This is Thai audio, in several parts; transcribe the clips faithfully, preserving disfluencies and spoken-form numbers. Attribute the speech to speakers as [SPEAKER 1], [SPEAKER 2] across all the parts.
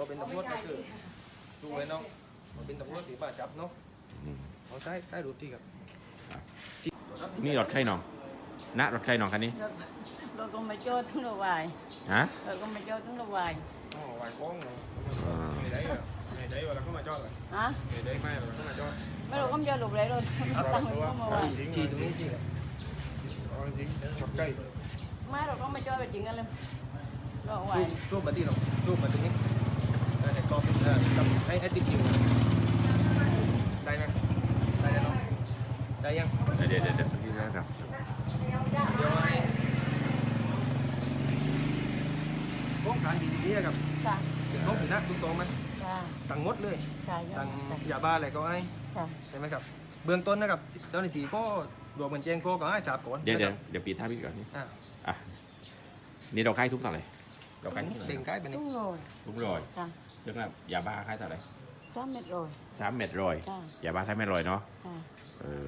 [SPEAKER 1] อเป็นตำรวจก็คือดูไว้เนาะพอเป็นตำรวจตีบ้าจับเนาะเอาใช้ใช้รูปที่ครับ
[SPEAKER 2] นี่รถใครน้องณรถใครน้องคันนี้
[SPEAKER 3] รถก็ไม่จอดทั้งระวาย
[SPEAKER 2] ฮะ
[SPEAKER 3] รถก็ไม่จอดทั้งระวาย
[SPEAKER 1] อ๋อวายฟ้องเนาะไม่ได้เหรอไม่ได้เวลาเข้ามาจอดเลย
[SPEAKER 3] ฮะ
[SPEAKER 1] ไม่ได้ไม่เวลาเข้ามาจอด
[SPEAKER 3] ไม่รู้ก็ไม่จอดหลบเลยรถตั้งไว้ก็มาไว้
[SPEAKER 1] จีตรงนี้จริงเหรอจริงขับใกล้
[SPEAKER 3] ไม่เราก็ไม่จอดไปจริงกันเลยระวา
[SPEAKER 1] รู
[SPEAKER 3] ย
[SPEAKER 1] ปรูปมาที่เรารูปมาตรงนี้แต่ก็เป็นให้ให้ติดคิวได้ไหมได้แล้วเนาะได้ยัง
[SPEAKER 2] เดี๋ยวเดี๋ยวเดี๋ยวพี่นะครับ
[SPEAKER 1] เดี๋ยวให้โครงการดีๆนะครับ
[SPEAKER 3] ค่ะ
[SPEAKER 1] เป็นเขาเป็นนักตุ้งโตไหม
[SPEAKER 3] ค่ะ
[SPEAKER 1] ตังงดเลย
[SPEAKER 3] ค่ะ
[SPEAKER 1] ตังยาบ้าอะไรก็ให้
[SPEAKER 3] ค่ะ
[SPEAKER 1] ใช่ไหมครับเบื้องต้นนะครับเจ้าหน้าที่ก็รวมกันแจ้งก็ก็ให้จับก่อน
[SPEAKER 2] เดี๋ยวเดี๋ยวเดี๋ยวปีท่าพี่ก่อนนี่
[SPEAKER 1] อ่า
[SPEAKER 2] อ่ะนี่เราค่ายทุกเท่าไหร่เราค่ายทุก
[SPEAKER 1] เด้งใกล้ไปนี่
[SPEAKER 3] ตุ้งโรย
[SPEAKER 2] ทุกรอย
[SPEAKER 3] ค่ะ
[SPEAKER 2] เรื่องแบบยาบ้าค่ายเท่าไหร่
[SPEAKER 3] สามเม็ดโรย
[SPEAKER 2] สามเม็ดรอย
[SPEAKER 3] ค่ะ
[SPEAKER 2] ยาบ้าสามเม็ดรอยเนาะ
[SPEAKER 3] ค่ะ
[SPEAKER 2] เออ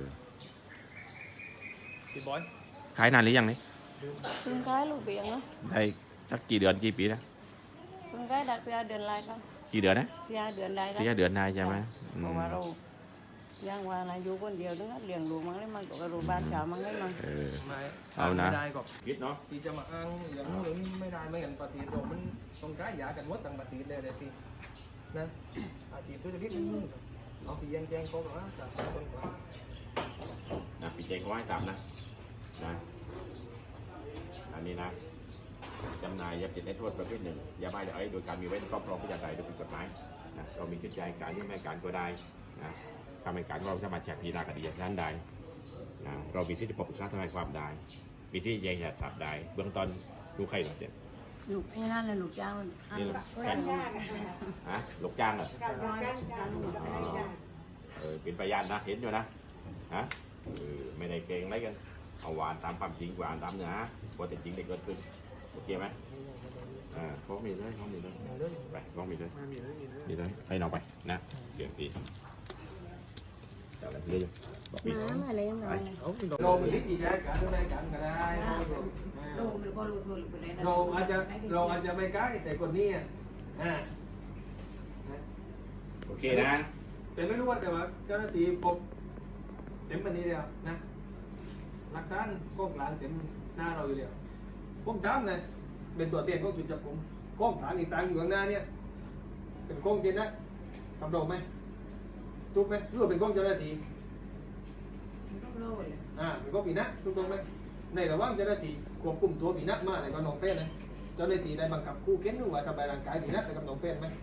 [SPEAKER 1] พี่บอย
[SPEAKER 2] ขายนานหรือยังนี่
[SPEAKER 3] เพิ่งขายลูกเบียงเนาะ
[SPEAKER 2] ได้สักกี่เดือนกี่ปีนะ
[SPEAKER 3] เพิ่งขายดักเสียเดือนไรก็
[SPEAKER 2] กี่เดือนนะ
[SPEAKER 3] เสียเดือนใด
[SPEAKER 2] สี่เดือนได้ใช่ไหมอื
[SPEAKER 3] เพ
[SPEAKER 2] ม
[SPEAKER 3] ราะว่าเรายังว่านะอยู่คนเดียวนึกว่าเลี้ยงลูกมั้งเลยมันก็กระดูบ้านสาวมั้งเลยมัน
[SPEAKER 2] เออ
[SPEAKER 1] ไม่
[SPEAKER 2] เอานะ
[SPEAKER 1] ไม่ได้ก็
[SPEAKER 2] คิดเนาะ
[SPEAKER 1] ที่จะมาอ้างอย่างนู้นอย่างนี้ไม่ได้ไม่เห็นปฏิโดมันต้องใช้ยากันหมดต่างปฏิเลยเลยพี่นะอาชีพธุรกิจนี่เอาพี่แจ้งแจ้งเขาก่อนนะจากคนก่อน
[SPEAKER 2] นะปีเจงเขาให้สามนะนะอันนี้นะจำหน่ายยาเสพติดให้โทษประเภทหนึ่งยาบ้าไอซ์โดยการมีไว้ในครอบครองเพื่อจำหน่ายโดยผิดกฎหมายนะเรามีชุดใจการที่ไม่การก็ได้นะทำให้การเราสามารถแจกพิจารณาคดีด้านใดนะเรามีสิทธิปกป้องทนายความได้มีสิทธิแย้งหยัดสับได้เบื้องต้นดูใครหรอเด็ด
[SPEAKER 3] ลูกนี่นั่นเลยลูกจ้างมันอัน
[SPEAKER 2] นี่
[SPEAKER 3] ละ
[SPEAKER 2] แฟนฮะลูกจ้างเหรอเออเป็นพยานนะเห็นอยู่นะฮะเออไม่ได้เก่งอะไรกันเอาหวานตามความจริงหวานตามเนื้อหาพอแต่จริงได้เกิดขึ้นโอเคไหมอ่าเขามีเลยเขามีเลยไปเขามีเลย
[SPEAKER 1] ไม่มีเลยมีเลย
[SPEAKER 2] มีเลยให้น้องไปนะเดี๋ยวตีจะอะไรเรื่อยบอกพี่
[SPEAKER 3] น้ำอะไรยังไง
[SPEAKER 1] เอาพี่เราเป็นลิขิตแจ้งกันได้กันก็ได้
[SPEAKER 3] ลูกมันก็รู้ตัวลูกไปเลยนะ
[SPEAKER 1] เราอาจจะเราอาจจะไม่ใกล้แต่คนนี้อ่า
[SPEAKER 2] โอเคนะ
[SPEAKER 1] แต่ไม่รู้ว่าแต่ว่าเจ้าหน้าที่พบเต็มวันนี้เดียวนะหลักฐานกล้องหลังเต็มหน้าเราอยู่เดียวผมถามเลยเป็นตัวเตี้ยนของจุดจับผมกล้องฐานอีกตังอยู่ข้างหน้าเนี่ยเป็นกล้องเตี้ยนนะทำโดไหมถูกไหมหรือว่าเป็นกล้องเจ้าหน้าที่
[SPEAKER 3] ต้องรู้เลย
[SPEAKER 1] อ่าเป็นกล้องปีนะถูกต้องไหมในระหว่างเจ้าหน้าที่ควบคุมตัวปีนะมาในกรณีน้องเป้นนะเจ้าหน้าที่ได้บังคับคู่เค้นหรือว่าทำลายร่างกายปีนะในกรณีน้องเป้นไหม